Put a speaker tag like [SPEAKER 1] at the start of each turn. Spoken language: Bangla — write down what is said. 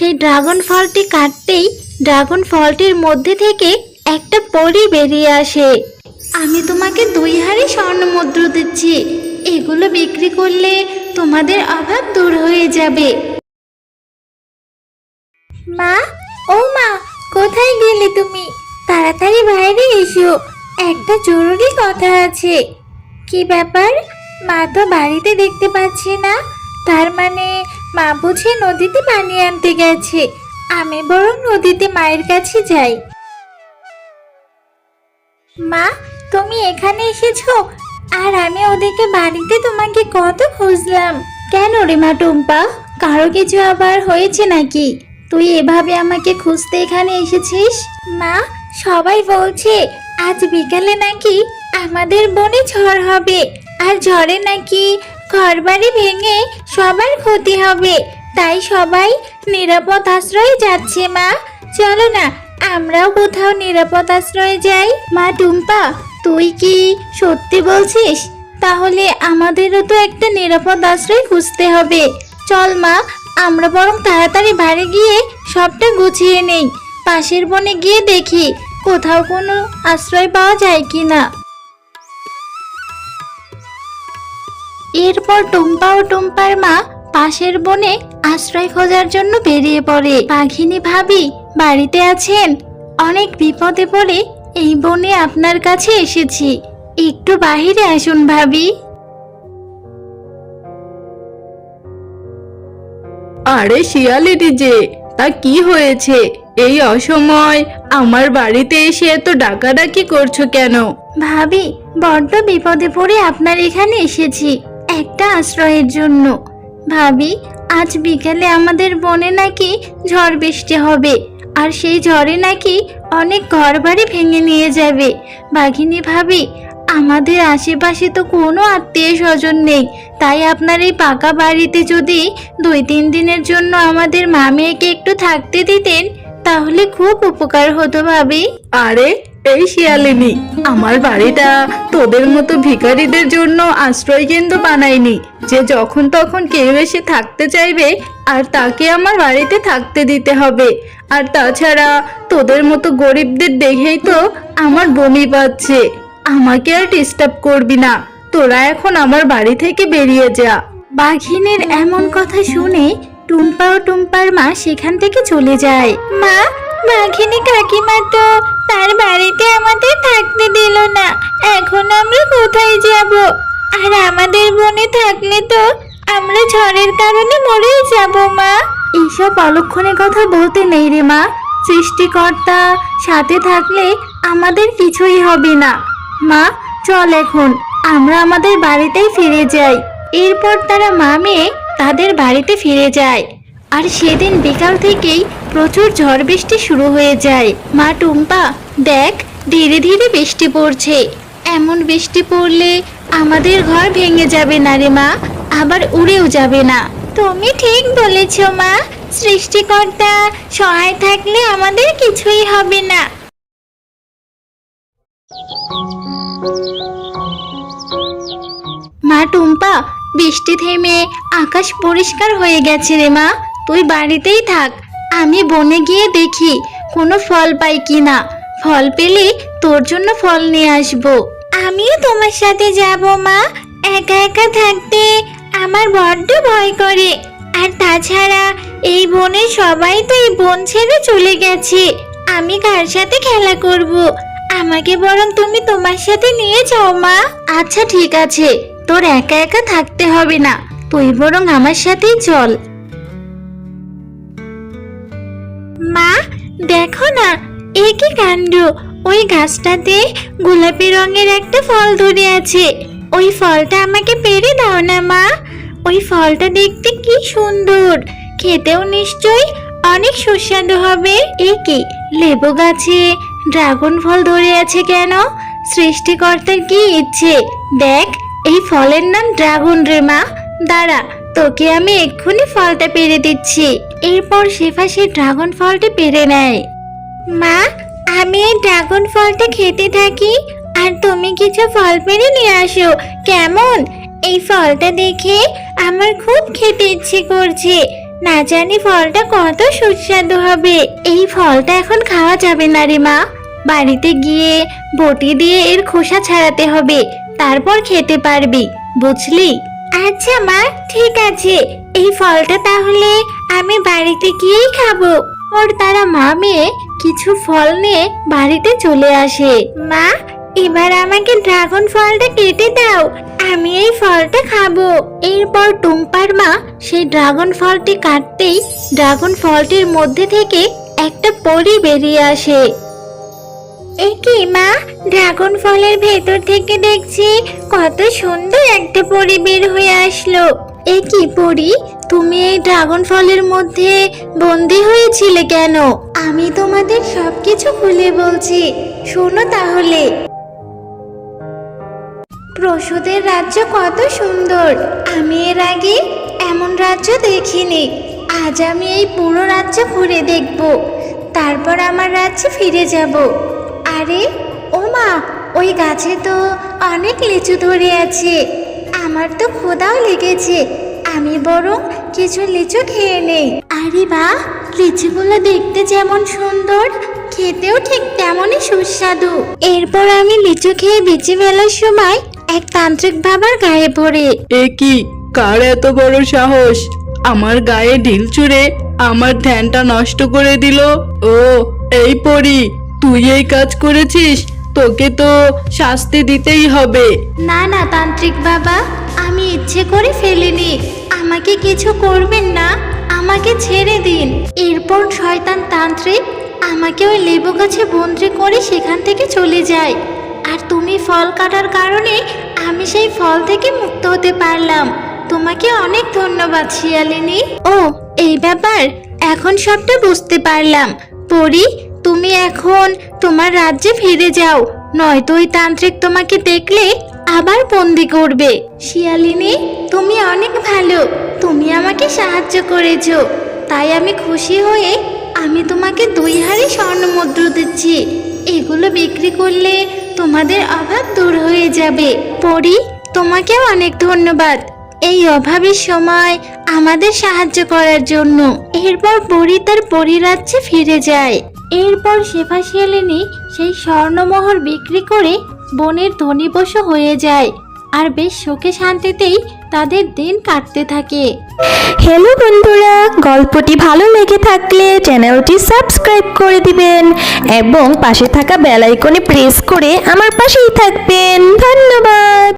[SPEAKER 1] সেই ড্রাগন ফলটি কাটতেই ড্রাগন ফলটির মধ্যে থেকে একটা পরী বেরিয়ে আসে। আমি তোমাকে 2 হাঁড়ি স্বর্ণ মুদ্রা দিচ্ছি, এগুলো বিক্রি করলে তোমাদের অভাব দূর হয়ে যাবে। মা, ও মা, কোথায় গেলে তুমি? তাড়াতাড়ি বাইরে এসো, একটা জরুরি কথা আছে। কি ব্যাপার? মা তো বাড়িতে দেখতে পাচ্ছি না। তার মানে মা বুঝি নদীতে পানি আনতে গেছে। আমি বরং নদীতে মায়ের কাছে যাই। মা, তুমি এখানে এসেছো, আর আমি ওদিকে বাড়িতে তোমাকে কত খুঁজলাম। কেন রে মা টুম্পা, কারো কিছু আবার হয়েছে নাকি? তুই এভাবে আমাকে খুঁজতে এখানে এসেছিস? মা, সবাই বলছে আজ বিকালে নাকি আমাদের বনে ঝড় হবে, আর ঝড়ে নাকি ঘরবাড়ি ভেঙে সবার ক্ষতি হবে। তাই সবাই নিরাপদ আশ্রয়ে যাচ্ছে। মা, চলো না আমরাও কোথাও নিরাপদ আশ্রয়ে যাই। মা টুম্পা, তুই কি সত্যি বলছিস? তাহলে আমাদেরও তো একটা নিরাপদ আশ্রয় খুঁজতে হবে। চল মা, আমরা বরং তাড়াতাড়ি বাড়ি গিয়ে সবটা গুছিয়ে নেই। পাশের বনে গিয়ে দেখি কোথাও কোনো আশ্রয় পাওয়া যায় কিনা। এরপর টুম্পা ও টুম্পার মা পাশের বনে আশ্রয় খোঁজার জন্য বেরিয়ে পড়ে। বাঘিনী ভাবি বাড়িতে আছেন? অনেক বিপদে পড়ে এই বনে আপনার কাছে এসেছি, একটু বাহিরে আসুন ভাবি।
[SPEAKER 2] আরে শিয়ালিনী যে, তা কি হয়েছে? এই অসময় আমার বাড়িতে এসে এত ডাকাডাকি করছো কেন?
[SPEAKER 1] ভাবি, বড্ড বিপদে পড়ে আপনার এখানে এসেছি একটা আশ্রয়ের জন্য। ভাবি, আজ বিকেলে আমাদের বনে নাকি ঝড় বৃষ্টি হবে, আর সেই ঝড়ে নাকি অনেক ঘরবাড়ি ভেঙে নিয়ে যাবে। বাঘিনী ভাবি, আমাদের আশেপাশে তো কোনো আত্মীয় স্বজন নেই, তাই আপনার এই পাকা বাড়িতে যদি 2-3 দিনের জন্য আমাদের মা মেয়েকে একটু থাকতে দিতেন তাহলে খুব উপকার হতো ভাবি।
[SPEAKER 2] আরে এই শিয়ালিনী, আমার বাড়িটা তোদের মতো ভিখারিদের জন্য আশ্রয় কেন্দ্র বানাইনি যে যখন তখন কেউ এসে থাকতে চাইবে আর তাকে আমার বাড়িতে থাকতে দিতে হবে। আর তাছাড়া তোদের মতো গরিবদের দেখেই তো আমার বমি পাচ্ছে। আমাকে আর ডিস্টার্ব করবি না, তোরা এখন আমার বাড়ি থেকে বেরিয়ে যা।
[SPEAKER 1] বাঘিনীর এমন কথা শুনে টুম্পা ও টুম্পার মা সেখান থেকে চলে যায়। মা, বাঘিনী কাকিমা তো তার বাড়িতে আমাদের থাকতে দিল না, এখন আমরা কোথায় যাব? আর আমাদের বনে থাকলে তো আমরা ঝড়ের কারণে মরেই যাব। মা, এইসব অলক্ষণে কথা বলতে নেই রে মা। সৃষ্টিকর্তা সাথে থাকলে আমাদের কিছুই হবে না। মা, চল এখন আমরা আমাদের বাড়িতেই ফিরে যাই। এরপর তারা মা মেয়ে তাদের বাড়িতে ফিরে যায়। আর সেদিন বিকাল থেকেই প্রচুর ঝড় বৃষ্টি শুরু হয়ে যায়। মা টুম্পা, দেখ ধীরে ধীরে বৃষ্টি পড়ছে। এমন বৃষ্টি পড়লে আমাদের ঘর ভেঙে যাবে না রে মা, আবার উড়েও যাবে না। তুমি ঠিক বলেছ মা, সৃষ্টিকর্তা সহায় থাকলে আমাদের কিছুই হবে না। মা টুম্পা, বৃষ্টি থেমে আকাশ পরিষ্কার হয়ে গেছে রে মা, তুই বাড়িতেই থাক। আমি বনে গিয়ে দেখি কোনো ফল পাই কিনা। ফল পেলে তোর জন্য ফল নিয়ে আসবো। আমিও তোমার সাথে যাব মা, একা একা থাকতে আমার বড্ড ভয় করে। আর তাছাড়া এই বনে সবাই তো এই বন ছেড়ে চলে গেছে, আমি কার সাথে খেলা করব? আমাকে বরং তুমি তোমার সাথে নিয়ে যাও মা। আচ্ছা ঠিক আছে, তোর একা একা থাকতে হবে না, তুই বরং আমার সাথেই চল। মা, দেখো না, এ কি কাণ্ড! ওই গাছটাতে গোলাপি রঙের একটা ফল ধরে আছে। ওই ফলটা আমাকে পেড়ে দাও না মা। ওই ফলটা দেখতে কি সুন্দর, খেতেও নিশ্চয়ই অনেক সুস্বাদু হবে। এ কি, লেবু গাছে ড্রাগন ফল ধরে আছে কেন? সৃষ্টিকর্তার কি ইচ্ছে! দেখ, এই ফলের নাম ড্রাগন রে মা। দাঁড়া, তোকে আমি এক্ষুনি ফলটা পেড়ে দিচ্ছি। এরপর শেফা সেই ড্রাগন ফলটা পেড়ে নেয়। মা, আমি এই ড্রাগন ফলটা খেতে থাকি, আর তুমি কিছু ফল পেড়ে নিয়ে আসো, কেমন? এই ফলটা দেখে আমার খুব খেতে ইচ্ছে করছে। না জানি ফলটা কত সুস্বাদু হবে। এই ফলটা এখন খাওয়া যাবে না রে মা, বাড়িতে গিয়ে বটি দিয়ে এর খোসা ছাড়াতে হবে, তারপর খেতে পারবি, বুঝলি? আচ্ছা মা, ঠিক আছে, এই ফলটা তাহলে আমি বাড়িতে গিয়েই খাবো। ওর তারা মা মেয়ে কিছু ফল নিয়ে বাড়িতে চলে আসে। মা, এবার আমাকে ড্রাগন ফলটা কেটে দাও, আমি এই ফলটা খাবো। এরপর টুম্পার মা সেই ড্রাগন ফলটি কাটতেই ড্রাগন ফলটির মধ্যে থেকে একটা পরী বেরিয়ে আসে। এ কি মা, ড্রাগন ফলের ভেতর থেকে দেখছি কত সুন্দর একটা পরী বের হয়ে আসলো। এ কি পরী, তুমি এই ড্রাগন ফলের মধ্যে বন্দি হয়েছিলে কেন? আমি তোমাদের সবকিছু খুলে বলছি, শোনো তাহলে। প্রসূদের রাজ্য কত সুন্দর, আমি এর আগে এমন রাজ্য দেখিনি। আজ আমি এই পুরো রাজ্য ঘুরে দেখব, তারপর আমার রাজ্যে ফিরে যাব। আরে ও মা, ওই গাছে তো অনেক লিচু ধরে আছে, আমার তো ক্ষুধাও লেগেছে, আমি বরং কিছু লিচু খেয়ে নেই। আরে বাহ, লিচুগুলো দেখতে যেমন সুন্দর, খেতেও ঠিক তেমনই সুস্বাদু। এরপর আমি লিচু খেয়ে বেঁচে ফেলার সময় এক তান্ত্রিক বাবার গায়ে পড়ে।
[SPEAKER 2] এ কি, কার এত বড় সাহস আমার গায়ে ঢিল ছুঁড়ে আমার ধ্যানটা নষ্ট করে দিল? ও, এই পরি, তুই এই কাজ করেছিস, তোকে তো শাস্তি দিতেই হবে।
[SPEAKER 1] না না তান্ত্রিক বাবা, আমি ইচ্ছে করে ফেলিনি, আমাকে কিছু করবেন না, আমাকে ছেড়ে দিন। এরপর শয়তান তান্ত্রিক আমাকে ওই লেবু গাছে বন্দি করে সেখান থেকে চলে যায়। আর তুমি ফল কাটার কারণে আমি সেই ফল থেকে মুক্ত হতে পারলাম। তোমাকে অনেক ধন্যবাদ শিয়ালিনী। ও, এই ব্যাপার, এখন সবটা বুঝতে পারলাম। পরি, তুমি এখন তোমার রাজ্যে ফিরে যাও, নয়তো ওই তান্ত্রিক তোমাকে দেখলে আবার বন্দি করবে। শিয়ালিনী, তুমি অনেক ভালো, তুমি আমাকে সাহায্য করেছো, তাই আমি খুশি হয়ে আমি তোমাকে 2 হাঁড়ি স্বর্ণ মুদ্রা দিচ্ছি। এগুলো বিক্রি করলে তোমাদের অভাব দূর হয়ে যাবে। পরি, তোমাকেও অনেক ধন্যবাদ এই অভাবের সময় আমাদের সাহায্য করার জন্য। এরপর পরি তার পরিরাজ্যে ফিরে যায়। এরপর শেফা শিয়ালিনী সেই স্বর্ণমোহর বিক্রি করে বনের ধনী পশু হয়ে যায়, আর বেশ সুখে শান্তিতেই তাদের দিন কাটতে থাকে।
[SPEAKER 3] হ্যালো বন্ধুরা, গল্পটি ভালো লেগে থাকলে চ্যানেলটি সাবস্ক্রাইব করে দিবেন এবং পাশে থাকা বেল আইকনে প্রেস করে আমার পাশেই থাকবেন। ধন্যবাদ।